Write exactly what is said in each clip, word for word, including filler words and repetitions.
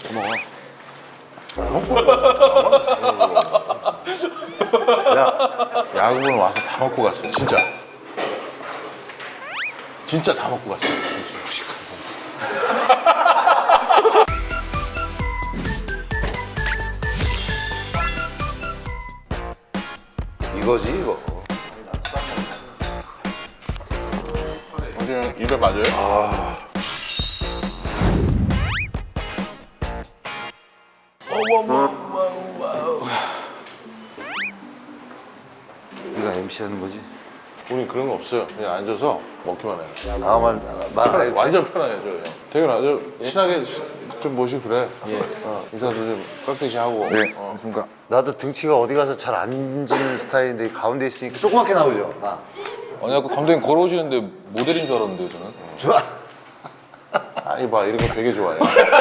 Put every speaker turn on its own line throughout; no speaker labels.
먹어. 야, 야구는 와서 다 먹고 갔어, 진짜. 진짜 다 먹고 갔어.
이거지 이거.
그냥 입에 맞아요?
아. 네가 엠씨 하는 거지?
우린 그런 거 없어요. 그냥 앉아서 먹기만 해요.
나만 말 안 해도
완전 편하게 저 태균아, 저 친하게 좀 모시고 그래. 예. 어, 인사도 좀 깍듯이 하고.
네.
어.
그러니까 나도 등치가 어디 가서 잘 앉는 스타일인데 가운데 있으니까 조그맣게 나오죠. 아.
아니 아까 감독님 걸어오시는데 모델인 줄 알았는데요 저는.
좋아.
아니 봐, 이런 거 되게 좋아해.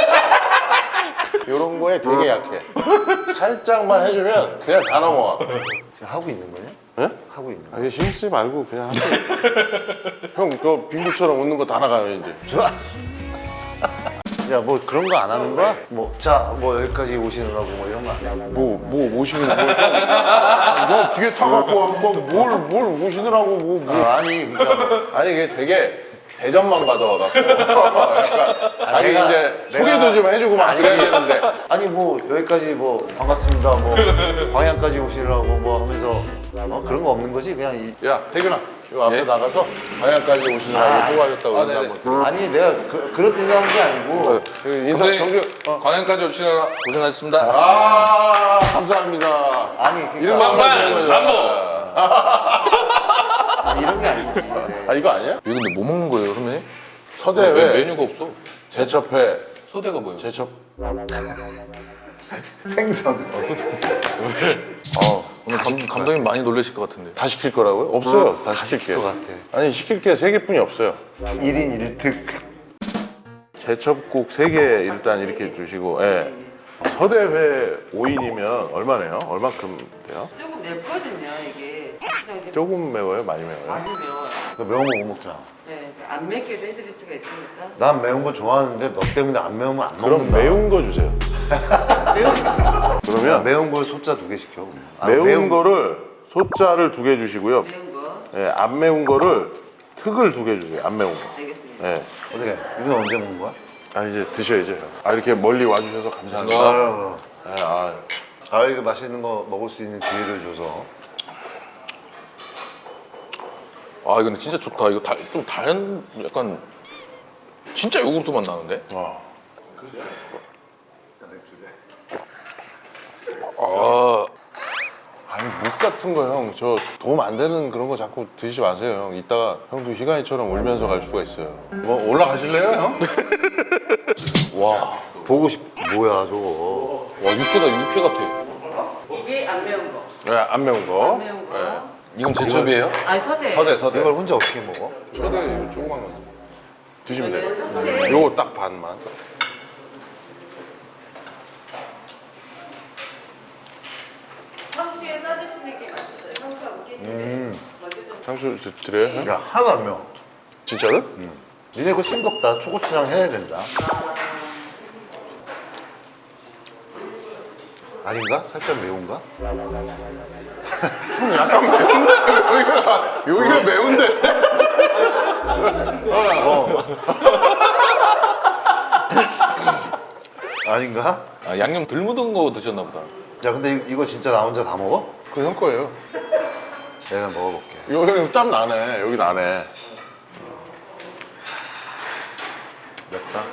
이런 거에 되게 약해. 살짝만 해주면 그냥 다 넘어와.
지금 하고 있는 거냐?
예?
하고 있는 거야?
아니 신경 쓰지 말고 그냥 하세요. 형, 그 빙구처럼 웃는 거 다 나가요 이제.
좋아. 야, 뭐 그런 거 안 하는 거야? 뭐, 자, 뭐 여기까지 오시느라고 뭐 이런 거 안 해?
뭐, 뭐 모시는 거. 너 뒤에 타갖고 뭐뭘 뭘 모시느라고 뭐, 뭐.
아, 아니, 그러니까 뭐,
아니 이게 되게 대접만 받아와갖고 약간 자기
내가-
이제
내가-
소개도 좀 해주고 막
아니,
그래야 되는데.
아니 뭐 여기까지 뭐 반갑습니다, 뭐 광양까지 오시느라고 뭐 하면서 어? 그런 거 없는 거지? 그냥 이,
야 태균아, 요 앞에
예?
나가서 방향까지 오시느라고
아,
수고하셨다고
아,
인사
네네.
한번 드려.
아니 내가 그, 그런 뜻으로 한 게 아니고
그 인사
감독님
정주. 어.
관행까지 오시느라 고생하셨습니다.
아 감사합니다.
아니 그러니까
이런 거 안 하시는 거죠?
아니, 이런 게 아니지.
아 이거 아니야?
이거 근데 뭐 먹는 거예요 선배님?
서대
왜
회,
메뉴가 없어?
제첩회,
소대가 뭐예요?
제첩.
생선.
어,
오늘 감, 감독님 많이 놀라실 것 같은데.
다 시킬 거라고요? 없어요. 다 시킬게.
것 같아.
아니 시킬 게 세 개뿐이 없어요.
일 인 일 특.
제첩국 세 개 일단 이렇게 주시고, 예. 서대회 오 인이면 얼마네요? 얼마큼 돼요?
조금 맵거든요 이게. 그래서 이제
조금 매워요? 많이 매워요?
많이 매워요.
너 매운 거 못 먹잖아.
네, 안 맵게도 해드릴 수가 있으니까.
난 매운 거 좋아하는데 너 때문에 안 매우면 안
그럼
먹는다.
매운 거 주세요.
매운
그러면
매운 걸 소자 두 개 시켜. 아,
매운, 거를 소자를 두 개 주시고요.
매운 거
예, 안 매운 거를 특을 두 개 주세요. 안 매운 거.
알겠습니다.
예.
어떻게? 이건 언제 먹는 거야?
아 이제 드셔야죠. 아 이렇게 멀리 와주셔서 감사합니다.
어.
아유,
예, 아,
아 이거 맛있는 거 먹을 수 있는 기회를 줘서.
아 이거 근데 진짜 좋다. 이거 다, 좀 다른 약간 진짜 요구르트 맛 나는데?
어.
아
아니 묵 같은 거 형 저 도움 안 되는 그런 거 자꾸 드시지 마세요 형. 이따가 형도 희간이처럼 울면서 갈 수가 있어요. 뭐 올라가실래요 형?
와 보고 싶. 뭐야 저거?
와 육회다 육회 같아.
이게 안 매운 거.
네, 안 매운 거.
안 매운 거.
예.
이건 제첩이에요?
아니 서대.
서대 서대.
이걸 혼자 어떻게 먹어?
서대 이거 조그만 거 드시면 돼요.
이거는 성체.
요거 딱 반만.
성치에 싸드시는 게 맛있어요. 성치하고 깻잎에.
음.
먼저 좀
상수 드- 드려요 형?
야 하나도 안 매워.
진짜로?
니네 그거 싱겁다. 초고추장 해야 된다. 아닌가? 살짝 매운가?
형 약간 매운데 여기가 여기가 매운데.
어. 아닌가?
아 양념 덜 묻은 거 드셨나 보다.
야 근데 이- 이거 진짜 나 혼자 다 먹어?
그 형 거예요.
내가 먹어볼게.
이거 형 땀 나네. 여기 나네.
맵다.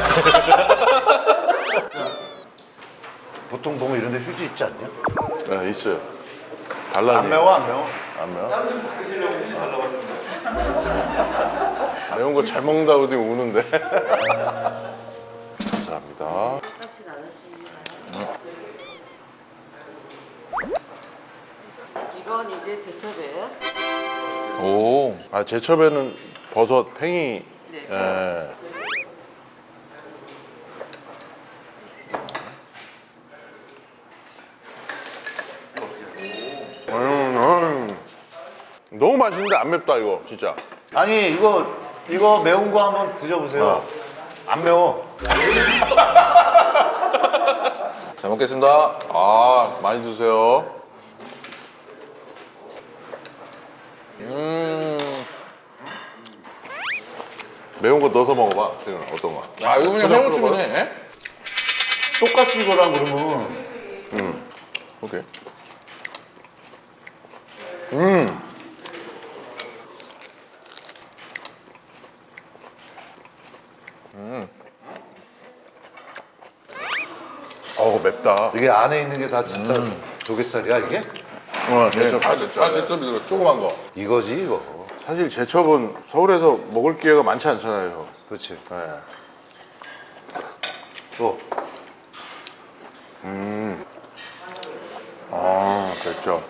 보통 보면 이런 데 휴지 있지 않냐?
네 있어요. 달라니.
안 매워 안 매워?
안 매워? 매운 거 잘 먹는다고 하더니 우는데. 감사합니다.
깝진 않았습니다. 이건 이제 제첩이에요.
오.
아 제첩에는 버섯, 팽이.
네.
예. 음, 음. 너무 맛있는데 안 맵다 이거 진짜.
아니 이거 이거 매운 거 한번 드셔보세요.
어.
안 매워.
먹겠습니다.
아 많이 드세요.
음.
매운 거 넣어서 먹어봐. 지금 어떤 거?
야 이거 그냥 해물찜이네.
똑같이 이거랑 그러면
음.
오케이.
음.
음.
어우 맵다.
이게 안에 있는 게 다 진짜 조갯살이야 이게?
어,
네,
제첩
다
제첩.
다 제첩이 들었어.
조그만 거.
이거지 이거.
사실 제첩은 서울에서 먹을 기회가 많지 않잖아요.
그렇지.
네.
또
음. 아, 됐죠.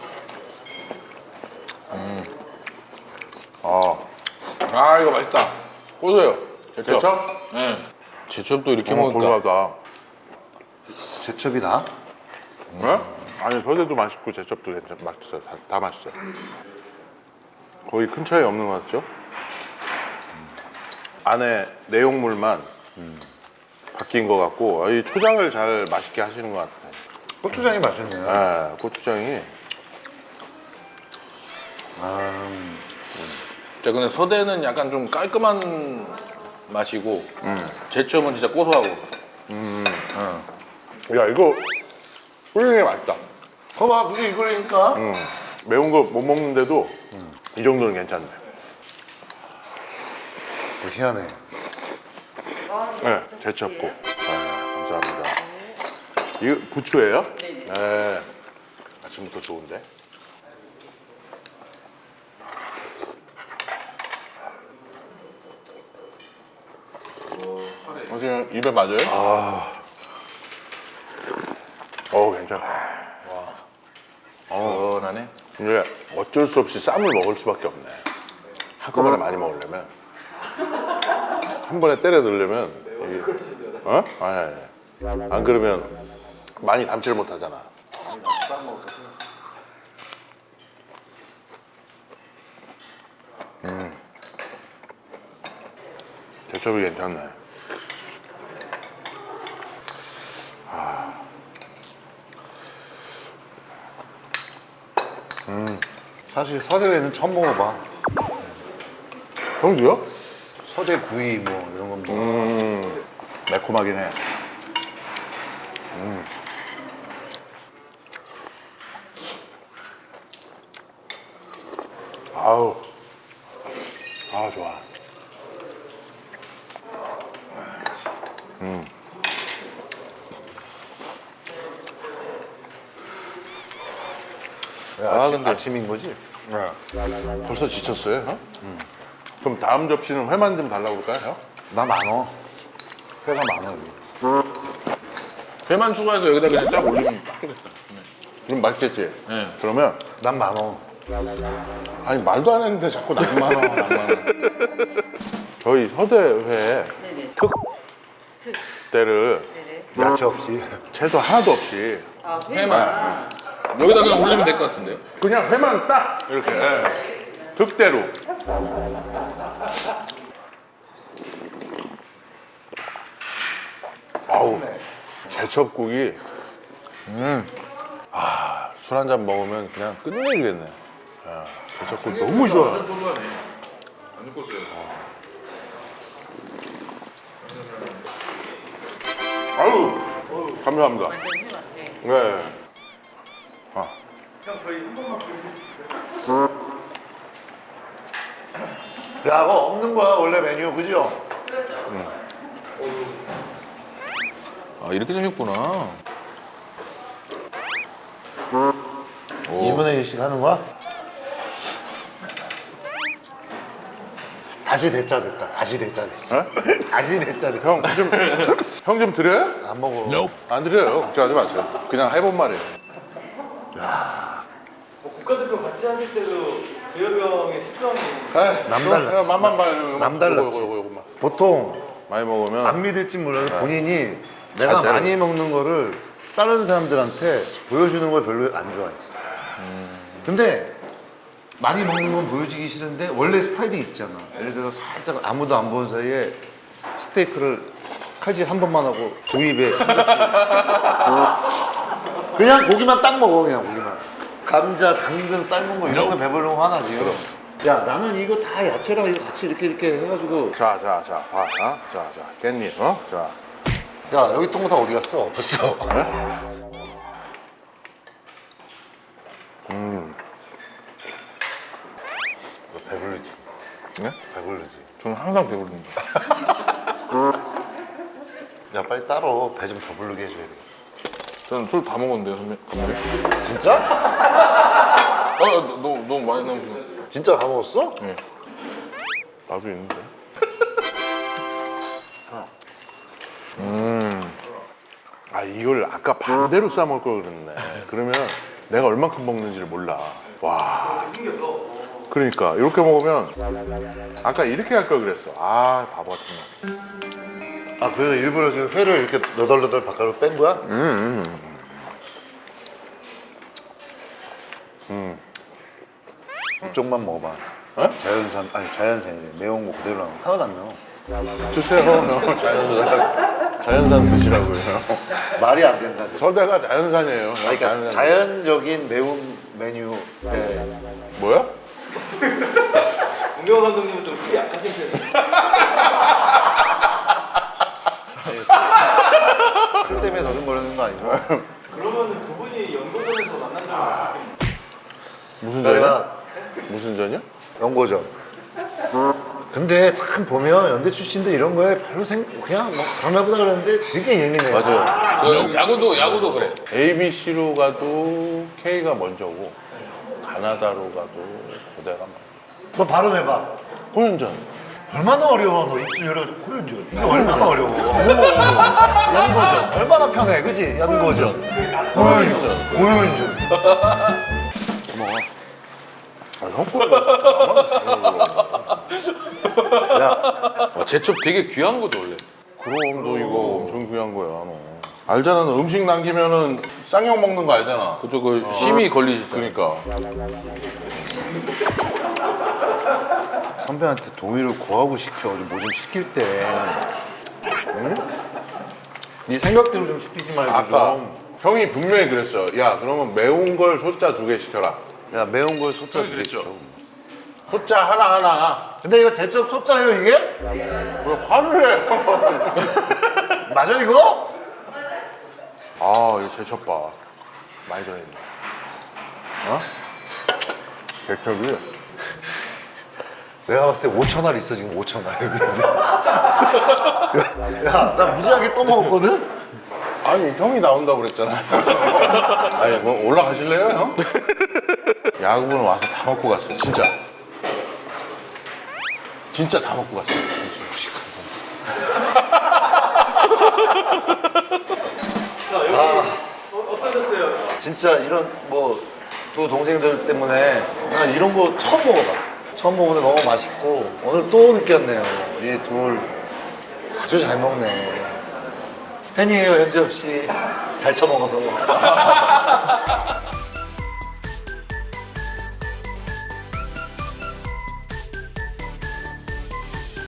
음. 아,
아 이거 맛있다. 고소해요. 제첩.
제첩?
네. 제첩도 이렇게
어,
먹으니까.
고소하다.
제첩이 나?
네? 아니 서대도 맛있고 제첩도 괜찮, 맛있어요. 다, 다 맛있어요. 거의 큰 차이 없는 것 같죠? 안에 내용물만 바뀐 것 같고 이 초장을 잘 맛있게 하시는 것 같아요.
고추장이 맛있네.
네, 고추장이
아,
자 근데 서대는 약간 좀 깔끔한 맛이고
음.
제첩은 진짜 고소하고.
음.
어.
야 이거 훌륭히 맛있다.
봐봐 그게 이거라니까.
음. 매운 거 못 먹는데도 이 정도는 괜찮네.
뭐 희한해.
네, 제첩고. 아, 감사합니다. 이거 부추예요?
네네.
네. 아침부터 좋은데. 어떻게 입에 맞아요?
아,
어우 괜찮다.
시원하네.
근데 어쩔 수 없이 쌈을 먹을 수밖에 없네. 한꺼번에 많이 먹으려면 한 번에 때려 넣으려면 이게, 어? 아니, 아니 안 그러면 많이 담지를 못하잖아. 음, 제첩이 괜찮네.
사실 서대회는 처음 먹어봐.
형도요?
서대 구이 뭐 이런 건 뭐.
음, 매콤하긴 해. 음. 아우, 아 좋아. 음.
야,
아,
아침,
근데-
아침인 거지?
벌써 지쳤어요, 형? 그럼 다음 접시는 회만 좀 달라고 그럴까요, 형?
나 많어. 회가 많아 여기.
회만 추가해서 여기다 그냥 쫙 올리면 딱 좋겠다.
그럼 맛있겠지?
네.
그러면
난 많어.
아니 말도 안 했는데 자꾸 낭만 원, 낭만 원. 저희 서대회
네네.
특 때를
네네.
야채 없이.
채소 하나도 없이
아,
회만. 여기다 그냥 올리면 될 것 같은데요.
그냥 회만 딱 이렇게 예. 특대로. 아우 제첩국이 음. 아, 술 한 잔 먹으면 그냥 끝내주겠네. 야, 제첩국 너무 좋아.
고소하네. 안 느꼈어요.
아유 감사합니다.
완전 회 같아.
네. 아.
야, 그거 없는 거야 원래 메뉴 그죠?
아 이렇게 생겼구나.
이분의 일씩 하는 거야? 다시 대짜 됐다. 다시 대짜 됐어. 다시 대짜 됐어.
형 좀 형 좀 드려요?
안 먹어.
안 드려요. 걱정하지 마세요. 그냥 해본 말이에요.
뭐 국가대표 같이 하실 때도 주엽이 형의 식성이
에이,
남달랐지.
형, 맛만 봐요.
남달랐지.
요거, 요거, 요거, 요거만.
보통
많이 먹으면
안 믿을지 몰라도 본인이 내가
자체로.
많이 먹는 거를 다른 사람들한테 보여주는 걸 별로 안 좋아했어. 근데 많이 먹는 건 보여주기 싫은데 원래 스타일이 있잖아. 예를 들어서 살짝 아무도 안 본 사이에 스테이크를 칼질 한 번만 하고 두 입에 한 접시 그냥 고기만 딱 먹어 그냥 고기만. 감자, 당근, 삶은 거 이런 거 배부르면 화나지. 야 나는 이거 다 야채랑 이거 같이 이렇게 이렇게 해가지고.
자, 자, 자, 봐, 어? 자, 자, 깻잎, 어? 자,
야 여기 통닭 어디 갔어? 벌써. 음. 너 배부르지?
네?
배부르지.
저는 항상 배부릅니다.
야 빨리 따로 배 좀 더 부르게 해줘야 돼.
저는 술 다 먹었는데요, 선배. 감독님.
진짜?
아, 너무 너무 많이 남으시네.
진짜 다 먹었어?
네.
나도 있는데.
음.
아, 이걸 아까 반대로 싸 먹을 걸 그랬네. 그러면 내가 얼만큼 먹는지를 몰라. 와. 그러니까 이렇게 먹으면 아까 이렇게 할 걸 그랬어. 아, 바보 같은 놈.
아 그래서 일부러 지금 회를 이렇게 너덜너덜 바깥으로 뺀 거야?
음, 음.
이쪽만 먹어봐.
어?
자연산 아니 자연산이래. 매운 거 그대로 나온 거. 하나도 안 매워.
드세요. 자연산. 자연산 드시라고요.
말이 안 된다.
서대가 자연산이에요.
아니, 그러니까
자연산.
자연적인 매운 메뉴. 네.
뭐야?
공경 감독님은 좀 술이 약하신 편이에요.
술 때문에 더듬거리는 거 아니고.
그러면 두 분이 연고전에서 만난 적이 없어요?
무슨 전이야?
내가
무슨 전이야?
연고전. 근데 참 보면 연대 출신들 이런 거에 별로 생 그냥 뭐 그런가보다 그랬는데 되게 예민해.
맞아요. 그 야구도 야구도 그래.
에이비씨로 가도 K가 먼저고 가나다로 가도 고대가 먼저.
너 발음해봐.
호연전.
얼마나 어려워. 너 입술 열어 호연전. 이게 얼마나 어려워. 연고전. 얼마나 편해, 그지? 연고전. 호연전. 호연전. 고마워.
아, 형
야,
와, 제첩 되게 귀한 거죠 원래.
그럼 너 이거 엄청 귀한 거야 너. 알잖아 너 음식 남기면은 쌍욕 먹는 거 알잖아.
그쪽 그 심이 걸리시잖아요.
그러니까
선배한테 동의를 구하고 시켜. 뭐 좀 시킬 때. 응? 네 생각대로 좀 시키지 말고
아까
좀.
형이 분명히 그랬어. 야 그러면 매운 걸 소자 두 개 시켜라.
야 매운 걸 소자
형이 그랬죠.
시켜.
소자 하나 하나.
근데 이거 제첩 소자예요 이게?
왜 화를 해?
맞아 이거?
아 이거 제첩 봐. 많이 들어있네.
어?
제첩이
내가 봤을 때 오천 알 있어 지금 오천 알. 야, 나 무지하게 또 먹었거든?
아니 형이 나온다고 그랬잖아. 아니 뭐 올라가실래요 형? 야구부는 와서 다 먹고 갔어 진짜. 진짜 다 먹고 갔어.
자, 여기 어, 어떠셨어요?
진짜 이런 뭐 두 동생들 때문에 나 이런 거 처음 먹어봐. 처음 먹는데 너무 맛있고 오늘 또 느꼈네요. 이 둘 아주 잘 먹네. 팬이에요 현지 없이 잘 처먹어서.